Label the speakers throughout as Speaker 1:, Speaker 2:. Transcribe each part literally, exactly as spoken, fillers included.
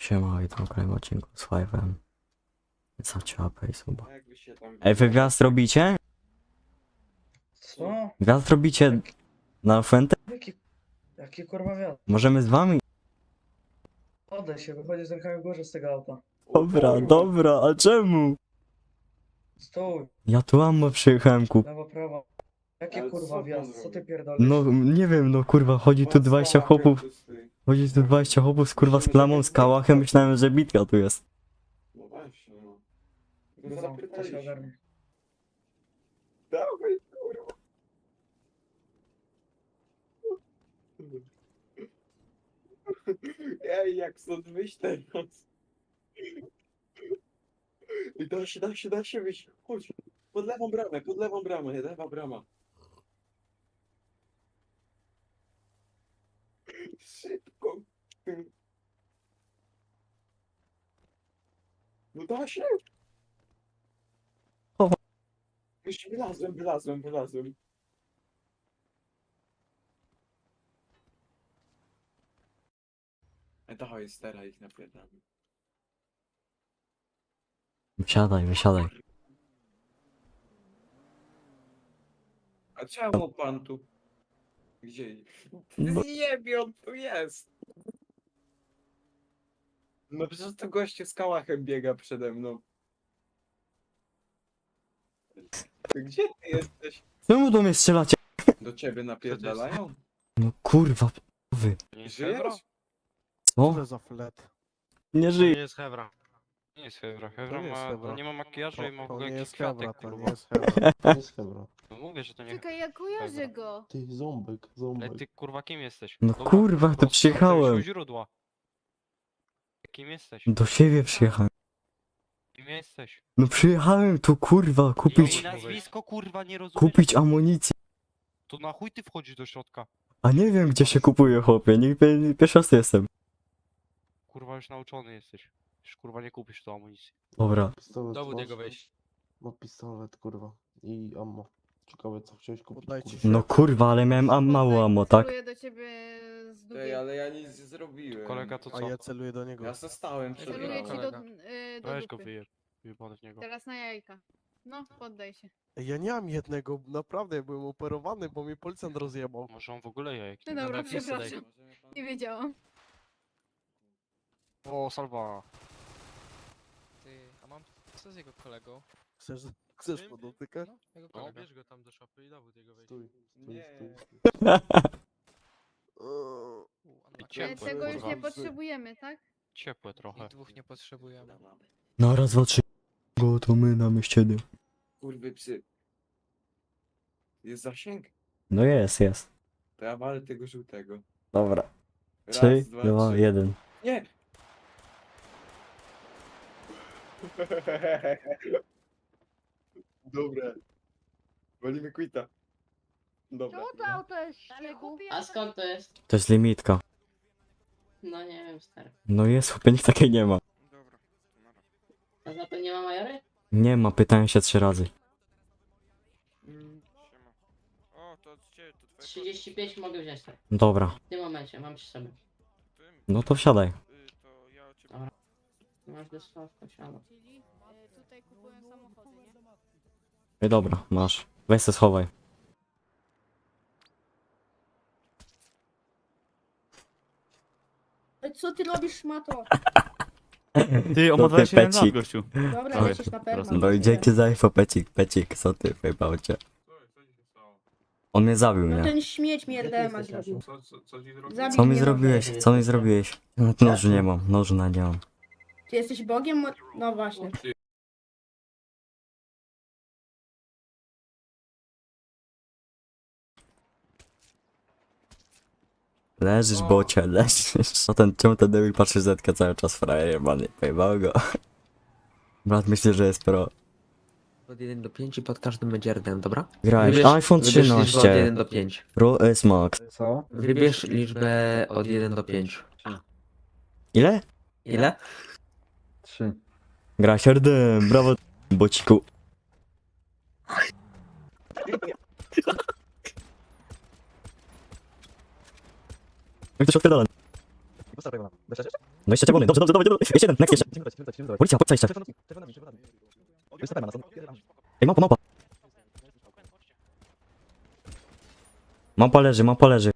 Speaker 1: Siema, witam w kolejnym odcinku z Five'em. Zaciapę i suba.
Speaker 2: A jakby się tam...
Speaker 1: Ej, wy gwiazd robicie?
Speaker 3: Co?
Speaker 1: Gwiazd robicie na Fuente?
Speaker 3: Jaki, jaki kurwa wiatr?
Speaker 1: Możemy z wami?
Speaker 3: Oddaj się, wychodzi z rękami w górze z tego auta.
Speaker 1: Dobra, dobra, a czemu?
Speaker 3: Stój,
Speaker 1: Ja tu ammo przyjechałem kup.
Speaker 3: lewo, prawo. Jaki
Speaker 2: Ale co
Speaker 3: kurwa
Speaker 2: pan
Speaker 3: wjazd? Co
Speaker 2: zrobił?
Speaker 3: ty pierdolisz?
Speaker 1: No, nie wiem, no kurwa, chodzi tu dwadzieścia chłopów. Chodzi tu dwadzieścia chłopów z kurwa z klamą, z kałachem, myślałem, że bitka tu jest.
Speaker 2: No właśnie, no. Go
Speaker 3: Guzą, to się
Speaker 2: zapytaliśmy.
Speaker 3: ogarnie.
Speaker 2: Dawaj, kurwa. Ej, jak stąd wyjść teraz? I da się, da się, da się wyjść. Chodź. Pod lewą bramę, pod lewą bramę, lewa brama. Szybko. No da się.
Speaker 1: O.
Speaker 2: Już wylazłem, wylazłem, wylazłem. E, dawaj, stara ich napierdamy.
Speaker 1: Wysiadaj, wysiadaj.
Speaker 2: A czemu pan tu? Gdzie?
Speaker 1: No.
Speaker 2: Zjebie, on tu jest! No przecież to goście z kałachem biega przede mną. Gdzie ty jesteś?
Speaker 1: Czemu do mnie strzelacie?
Speaker 2: Do ciebie napierdalają?
Speaker 1: No kurwa, wy.
Speaker 2: Żyjesz?
Speaker 1: Co?
Speaker 4: Co za flet?
Speaker 1: Nie
Speaker 5: To
Speaker 1: żyję.
Speaker 5: nie jest Hebra. Nie jest Hebra. Hebra
Speaker 4: nie jest
Speaker 5: ma,
Speaker 4: Hebra.
Speaker 5: to nie ma makijażu i ma w
Speaker 4: To
Speaker 5: ogóle
Speaker 4: nie
Speaker 5: jakiś
Speaker 4: jest Hebra,
Speaker 5: kwiatek,
Speaker 4: to nie
Speaker 5: kurwa.
Speaker 4: jest Hebra. To nie jest Hebra.
Speaker 5: No mówię, że to nie
Speaker 6: Czekaj, ja kojarzę go.
Speaker 4: Ty, ząbek,
Speaker 5: Ale
Speaker 4: ząbek.
Speaker 5: ty kurwa kim jesteś?
Speaker 1: No
Speaker 5: Dobra,
Speaker 1: kurwa, to
Speaker 5: prosto,
Speaker 1: przyjechałem.
Speaker 5: do źródła. Kim jesteś?
Speaker 1: Do siebie przyjechałem.
Speaker 5: Kim jesteś?
Speaker 1: No przyjechałem tu kurwa
Speaker 5: Imię
Speaker 1: kupić,
Speaker 5: i nazwisko kurwa nie rozumiesz?
Speaker 1: kupić amunicję.
Speaker 5: To na chuj ty wchodzisz do środka?
Speaker 1: A nie wiem gdzie się kupuje chłopie, nie, nie pierwszy raz jestem.
Speaker 5: Kurwa już nauczony jesteś. Już kurwa nie kupisz tu amunicji.
Speaker 1: Dobra.
Speaker 4: Pistolet
Speaker 5: Dowód
Speaker 4: masz?
Speaker 5: jego wejść.
Speaker 4: Ma pistolet, kurwa. I ammo. Ciekawe co chciałeś kupić,
Speaker 3: Poddajcie
Speaker 4: kurwa.
Speaker 3: się.
Speaker 1: No kurwa, ale miałem am mało ammo, tak?
Speaker 6: Celuję do ciebie z
Speaker 2: Ej,
Speaker 6: długiej.
Speaker 2: ale ja nic nie zrobiłem.
Speaker 5: Kolega to
Speaker 4: A
Speaker 5: co?
Speaker 4: ja celuję do niego.
Speaker 2: Ja zostałem przed
Speaker 6: Celuję ci do,
Speaker 2: bramą.
Speaker 6: y, do
Speaker 5: Weź go
Speaker 6: dupy.
Speaker 5: wyjeb. Wyjebany w niego.
Speaker 6: Teraz na jajka. No, poddaj się.
Speaker 4: Ej, ja nie mam jednego, naprawdę, ja byłem operowany, bo mnie policjant rozjebał.
Speaker 5: Może on w ogóle jajek.
Speaker 6: No
Speaker 5: nie
Speaker 6: dobra,
Speaker 5: ma.
Speaker 6: przepraszam. Nie wiedziałam.
Speaker 5: O, salwa.
Speaker 7: Ty, a mam co z jego kolegą?
Speaker 4: Chcesz, chcesz podotykać?
Speaker 7: No, jego
Speaker 5: No,
Speaker 7: kolega.
Speaker 5: bierz go tam do szopy i dowód jego wejść.
Speaker 4: Stój, stój,
Speaker 2: Nie.
Speaker 4: stój.
Speaker 7: U, a
Speaker 5: I
Speaker 7: na-
Speaker 6: E,
Speaker 5: ciepłe,
Speaker 6: Tego już
Speaker 5: kurwa.
Speaker 6: nie potrzebujemy, tak?
Speaker 5: Ciepłe trochę.
Speaker 7: I dwóch nie potrzebujemy.
Speaker 1: No raz, dwa, trzy. Go to my na mieściedy.
Speaker 2: Kurwy psy. Jest zasięg?
Speaker 1: No jest, jest.
Speaker 2: To ja walę tego żółtego.
Speaker 1: Dobra.
Speaker 2: Raz,
Speaker 1: Trzy,
Speaker 2: dwa,
Speaker 1: dwa,
Speaker 2: trzy.
Speaker 1: jeden.
Speaker 2: Nie! Dobra. Walimy quita. Dobra.
Speaker 6: to auto jest śniegu?
Speaker 8: A skąd to jest?
Speaker 1: To jest limitka.
Speaker 8: No nie wiem, stary.
Speaker 1: No jest, chłopie, nikt takiej nie ma.
Speaker 8: A za to nie ma majory?
Speaker 1: Nie ma, pytałem się trzy razy.
Speaker 2: Mm,
Speaker 7: O, to od ciebie, to twoje
Speaker 8: trzydzieści pięć mogę wziąć, tak.
Speaker 1: Dobra.
Speaker 8: W tym momencie, mam przy sobie.
Speaker 1: No to wsiadaj.
Speaker 7: y, to ja od ciebie.
Speaker 8: Masz dosłownie, siano.
Speaker 6: Czyli y, tutaj kupują samochody, nie?
Speaker 1: Ej, dobra, masz. Weź se schowaj.
Speaker 9: Co ty robisz, szmato?
Speaker 10: Ty, on
Speaker 1: To
Speaker 10: ma
Speaker 1: ty,
Speaker 10: dwadzieścia jeden lat,
Speaker 1: pecik.
Speaker 10: gościu.
Speaker 9: Dobra,
Speaker 10: Oj,
Speaker 9: lecisz na pewno.
Speaker 1: No i dzięki za info, pecik, pecik, co ty wyjebał cię. On mnie zabił,
Speaker 9: No
Speaker 1: nie?
Speaker 9: ten śmieć mi R D M A zrobił.
Speaker 2: Co, co, co ci zrobił?
Speaker 9: Zabić
Speaker 1: Co mi
Speaker 9: mnie
Speaker 1: zrobiłeś? Co mi zrobiłeś? No, nożu nie mam, nożu na nie mam.
Speaker 9: Ty jesteś Bogiem? Mo- No właśnie.
Speaker 1: Leżysz, bocie, leżysz. No ten, czemu ten debil patrzy zetkę cały czas frajer jebany? Pojebał go. Brat myśli, że jest pro.
Speaker 11: Od jeden do pięć i pod każdym będzie R D M, dobra?
Speaker 1: Grałeś
Speaker 11: Wybierz-
Speaker 1: iPhone
Speaker 11: wybierz liczbę od
Speaker 1: trzynaście.
Speaker 11: jeden do pięć.
Speaker 1: Pro S Max.
Speaker 3: Co?
Speaker 11: Wybierz liczbę od jeden do pięć.
Speaker 1: Ile?
Speaker 11: Ile?
Speaker 3: Trzy.
Speaker 1: Gra sierdem, brawo, bociku. Jak to się odpierdala? No jeszcze czerwony, dobrze, dobrze, dobrze, dobrze. Jeszcze jeden, next jeszcze. Policja, policja jeszcze. Ej, małpa, małpa. Małpa leży, małpa leży.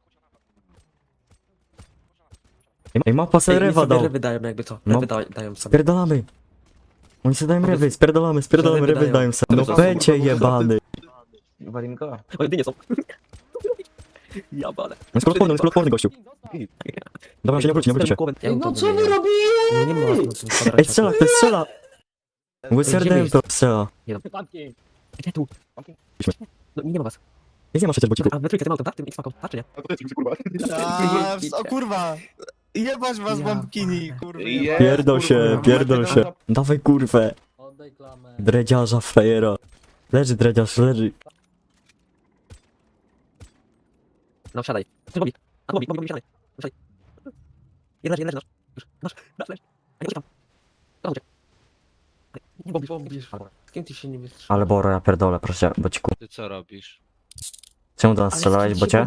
Speaker 1: Ej, ej małpa sobie
Speaker 11: Ej, oni
Speaker 1: rewa
Speaker 11: sobie
Speaker 1: dał.
Speaker 11: ryby dają jakby co.
Speaker 1: No.
Speaker 11: Ryby da, dają sobie.
Speaker 1: Spierdolamy. Oni sobie dają ryby, spierdolamy, spierdolamy,
Speaker 11: Ryby
Speaker 1: ryby
Speaker 11: dają.
Speaker 1: dają sobie. No
Speaker 11: Ryby
Speaker 1: pęcie jebany.
Speaker 11: Oj, dynie są. Ja balę.
Speaker 1: On jest kulotporny, on jest kulotporny gościu. Dobra, on się nie obróci, nie obróci się.
Speaker 9: No co wy robicie?
Speaker 11: No nie ma sensu.
Speaker 1: Ej, strzela, ktoś strzela. Łyserdem to strzela.
Speaker 11: Gdzie tu? No nie ma was.
Speaker 1: Nic nie ma przecież, bo ci...
Speaker 11: A we trójkę tym autem, tak? Tym X-Faką, tak czy nie?
Speaker 4: A, o kurwa! Jebać was
Speaker 11: Ja
Speaker 4: bombkini, kurwa.
Speaker 1: Pierdol się, pierdol się. Dawaj kurwę. Dredziarza, frajera. Leży dredziarz, leży.
Speaker 11: No wsiadaj. Ty Bobby. A Bobby, Bobby, Bobby, wsiadaj. Wsiadaj. Jeden leży, jeden leży, nasz. Już, nasz, nasz, leży. A nie uciekam. Dobra, uciek. Nie Bobby, Bobby. Z kim ty się nie wystrzymasz?
Speaker 1: Ale Boro, ja pierdolę, proszę, bo ci ku...
Speaker 5: Ty co robisz?
Speaker 1: Czemu do nas strzelałeś, bocie?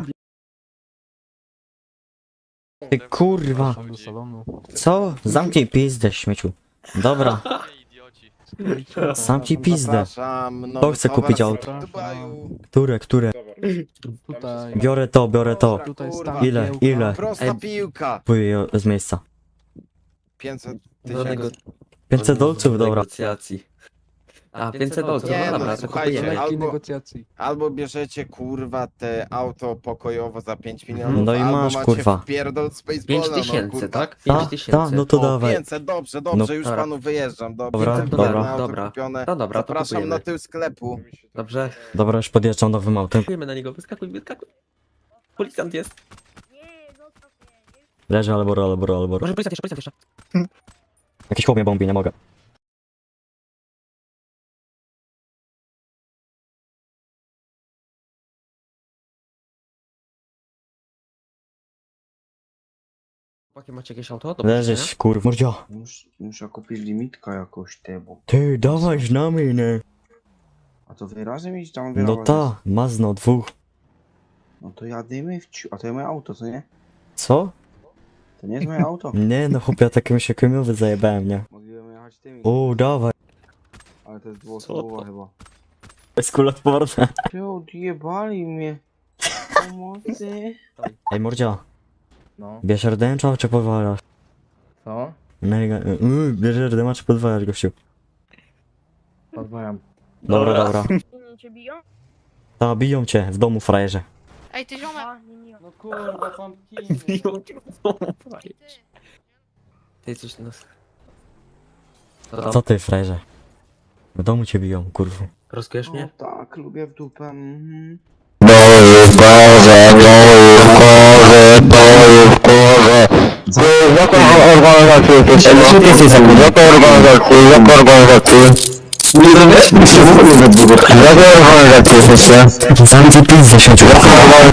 Speaker 1: Ty kurwa. Co? Zamknij pizdę, śmieciu. Dobra, zamknij pizdę. Kto chce kupić auto? Które, które?
Speaker 3: Tutaj,
Speaker 1: Biorę to, biorę to.
Speaker 3: tutaj
Speaker 1: Ile, ile?
Speaker 2: Prosta
Speaker 11: Ej.
Speaker 2: piłka.
Speaker 1: Pójdę z miejsca.
Speaker 2: pięćset
Speaker 11: Do nego...
Speaker 2: tysięcy.
Speaker 1: pięćset dolców, dobra.
Speaker 11: Negocjacji. A, pięćset dolców,
Speaker 2: Nie,
Speaker 11: no
Speaker 2: no,
Speaker 11: dobra, to
Speaker 2: słuchajcie,
Speaker 11: kupujemy.
Speaker 2: albo-
Speaker 3: negocjacji.
Speaker 2: Albo bierzecie kurwa te auto pokojowo za pięć milionów,
Speaker 1: No i
Speaker 2: albo
Speaker 1: masz,
Speaker 2: macie
Speaker 1: kurwa.
Speaker 2: wpierdol Spaceballa,
Speaker 11: pięć
Speaker 2: no,
Speaker 11: tysięcy,
Speaker 2: kurwa.
Speaker 11: tak?
Speaker 1: Ta,
Speaker 11: pięć tysięcy.
Speaker 1: ta, no to
Speaker 2: O,
Speaker 1: dawaj.
Speaker 2: pięćset, dobrze, dobrze,
Speaker 1: No.
Speaker 2: już
Speaker 11: Dobra.
Speaker 2: panu wyjeżdżam, dobrze.
Speaker 1: Dobra,
Speaker 2: Pięćset
Speaker 1: dobra.
Speaker 2: dolarów, auto
Speaker 11: Dobra.
Speaker 2: kupione.
Speaker 11: No dobra, to
Speaker 2: Zapraszam
Speaker 11: kupujemy.
Speaker 2: na tył sklepu.
Speaker 11: Dobrze.
Speaker 1: Dobra, już podjeżdżam nowym autem.
Speaker 11: Kupujemy na niego, wyskakuj, wyskakuj. Policjant jest.
Speaker 1: Leży Alboro, Alboro, Alboro.
Speaker 11: Może policjant jeszcze, policjant jeszcze.
Speaker 1: Jakiś chłop mnie bombi, nie mogę.
Speaker 11: Chłopaki, macie jakieś auto? Do
Speaker 1: Leżysz, kurwa. Mordzia.
Speaker 12: Mus, muszę kupić limitka jakoś te, bo...
Speaker 1: Ty, dawaj z nami, nie?
Speaker 12: A to wy razem iść tam
Speaker 1: No
Speaker 12: wyrażać?
Speaker 1: ta, Mazno, dwóch.
Speaker 12: No to jadymy w ciu... A to jest moje auto, co nie?
Speaker 1: Co?
Speaker 12: To nie jest moje auto.
Speaker 1: Nie no, chłopie, ja takim się kamieniowy zajebałem, nie?
Speaker 12: Mogliśmy jechać tymi.
Speaker 1: O, dawaj.
Speaker 12: Ale to jest dwuosobowa chyba.
Speaker 1: Jest kulotworne.
Speaker 12: Ty odjebali mnie. Pomocy.
Speaker 1: Ej, Mordzia,
Speaker 3: No,
Speaker 1: bierz rdęcza czy podwalasz?
Speaker 3: co?
Speaker 1: Mega, yy, bierz rdęcza czy podwalasz, gościu?
Speaker 3: Podwajam.
Speaker 1: Dobra, dobra.
Speaker 9: Cię biją?
Speaker 1: Ta, biją cię w domu, frajerze.
Speaker 6: Ej, ty ziomek!
Speaker 3: No kurwa, pumpkiny.
Speaker 11: Ty coś nas...
Speaker 1: Co ty, frajerze? W domu cię biją, kurwa.
Speaker 11: Rozkujesz
Speaker 12: No
Speaker 11: mnie?
Speaker 12: tak, lubię w dupę. Mhm.
Speaker 1: Jaką organizację jesteś? Jaką organizację? Jaką organizację? Jaką organizację? Jaką organizację jesteście? Zamknij pizdę, śmieciu. Jaką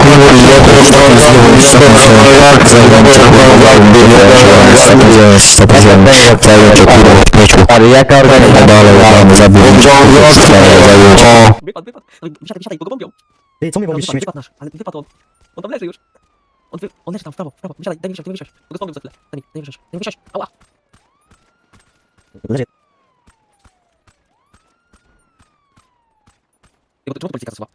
Speaker 1: organizację? Ale jaka organizacja? Dalej, tam zabiję.
Speaker 11: Wypadł, wypadł. No, Wysiadaj, wysiadaj, bo go bombią.
Speaker 1: Ty, co mnie
Speaker 11: No,
Speaker 1: robisz,
Speaker 11: wypadł,
Speaker 1: śmieć?
Speaker 11: wypadł nasz, ale wypadł on. On tam leży już. On, wy... on leży tam w prawo, w prawo. Wysiadaj, daj mi wysiąść, daj mi wysiąść. Bo go zbombią za chwilę. Daj mi, daj mi wysiąść, daj mi wysiąść. Ała.
Speaker 1: Leży.
Speaker 11: Czemu to policja zasuwa?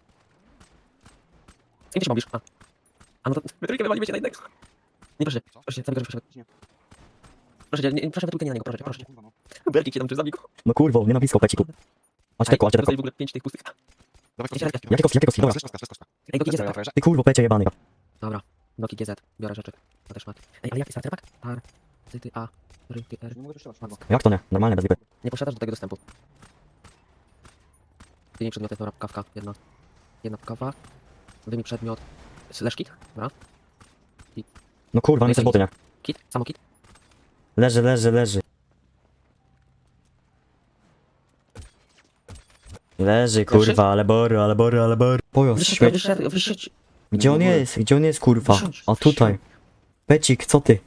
Speaker 11: Z kim ty się bawisz? A. A no to my trójkę wywalimy się na jednego. Nie proszę, proszę cię, samego, proszę. Proszę cię, nie, proszę we trójkę nie na niego, proszę cię, proszę cię. Belki cię tam przez zabiku.
Speaker 1: No kurwa, nie na blisko, peciku. Macie teko, macie teko.
Speaker 11: w ogóle pięć tych pustych.
Speaker 1: Jakie kostki, jakie kostki, dobra.
Speaker 11: Ej, Doki G Z.
Speaker 1: Ty kurwo, pecie jebany.
Speaker 11: Dobra, Doki G Z. Biorę rzeczy. To też mat. Ej, ale jaki starter pack? Tar, ty, ty, a, ry, ty, r.
Speaker 12: Nie mogę strzelać.
Speaker 1: Jak to nie? Normalnie, bez lipy.
Speaker 11: Nie posiadasz do tego dostępu. Wyjmij przedmioty, dobra, kawka, jedna. Jedna kawa. Wyjmij przedmiot. Slash kit, dobra.
Speaker 1: No kurwa, nie chcesz boty, nie?
Speaker 11: Kit, samo kit.
Speaker 1: Leży, leży, leży. Leży, kurwa, ale bory, ale bory, ale bory. Pojazd,
Speaker 11: Wysiadł,
Speaker 1: śmieć.
Speaker 11: wysiadł, wysiadł.
Speaker 1: Gdzie on jest? Gdzie on jest, kurwa?
Speaker 11: Wysiądź,
Speaker 1: A tutaj. Pecik, co ty?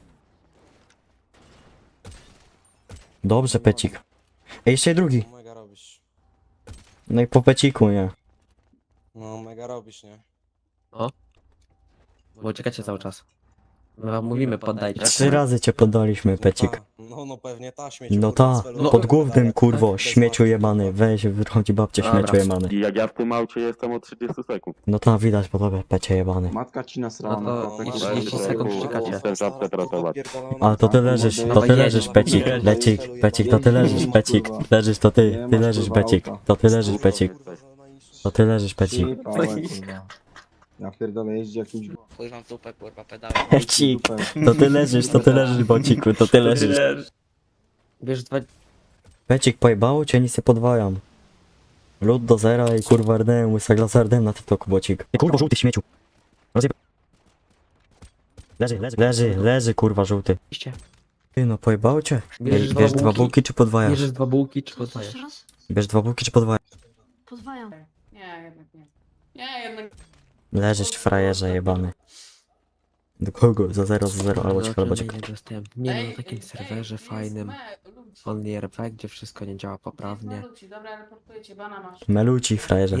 Speaker 1: Dobrze, Pecik. Ej, jeszcze drugi.
Speaker 2: Mega robisz.
Speaker 1: No i po Peciku, nie?
Speaker 2: No mega robisz, nie?
Speaker 11: Bo czekacie cały czas. My wam mówimy, poddajcie.
Speaker 1: Trzy razy cię poddaliśmy, Pecik.
Speaker 2: No, no pewnie ta śmieci.
Speaker 1: No ta, pod głównym kurwo, śmieciu jebany. Weź, wychodzi babcie,
Speaker 11: Dobra.
Speaker 1: śmieciu jebany.
Speaker 10: I jak ja w tym aucie jestem od trzydziestu sekund.
Speaker 1: No ta, widać po tobie, Pecie jebany.
Speaker 12: Matka ci nasrała
Speaker 11: No
Speaker 12: na
Speaker 11: to
Speaker 12: klapę.
Speaker 11: i
Speaker 12: i
Speaker 11: trzydzieści
Speaker 12: się
Speaker 11: sekund
Speaker 12: zaraz-
Speaker 11: czekacie.
Speaker 10: Chcę żabkę tratować.
Speaker 1: A to ty leżysz, to ty leżysz, Pecik, Lecik, Pecik, to ty leżysz, Pecik, leżysz, to ty, ty leżysz, Pecik, to ty leżysz, Pecik, to ty leżysz, Pecik.
Speaker 12: Trzy pałe, kurwa. Ja pierdolę, jeździ jakimś...
Speaker 7: Chuj wam w dupę, kurwa, pedały.
Speaker 1: Pecik, to ty leżysz, to ty leżysz, Bociku, to ty leżysz.
Speaker 11: Wiesz, dwa...
Speaker 1: Pecik, pojebało cię, nic nie podwajam. Lód do zera i kurwa R D M, łysa glasa R D M na TikToku, Bocik. Ty kurwa, żółty śmieciu. Rozjeb... Leży, leży, leży, leży, kurwa, żółty.
Speaker 11: Iście.
Speaker 1: Ty no, pojebało cię?
Speaker 11: Bierzesz
Speaker 1: Bierz,
Speaker 11: dwa
Speaker 1: bierz dwa
Speaker 11: bułki?
Speaker 1: bułki czy podwajasz?
Speaker 11: Bierzesz dwa bułki, czy poddaję?
Speaker 1: Bierz dwa bułki czy podwajasz?
Speaker 6: Pozwajam.
Speaker 8: Nie, jednak nie. Nie, jednak
Speaker 1: Leżysz, frajerze jebany. Do kogo? Za zero, za zero, albo ci
Speaker 11: No,
Speaker 1: Bocik.
Speaker 11: nie dostałem. Nie no,
Speaker 8: Ej,
Speaker 11: na takim
Speaker 8: ej,
Speaker 11: serwerze
Speaker 8: ej,
Speaker 11: fajnym.
Speaker 8: me- ludzi.
Speaker 11: Only R P, gdzie wszystko nie działa poprawnie.
Speaker 8: Ludzi, dobra, reportuję cię, bana masz.
Speaker 1: Meluci, frajerze.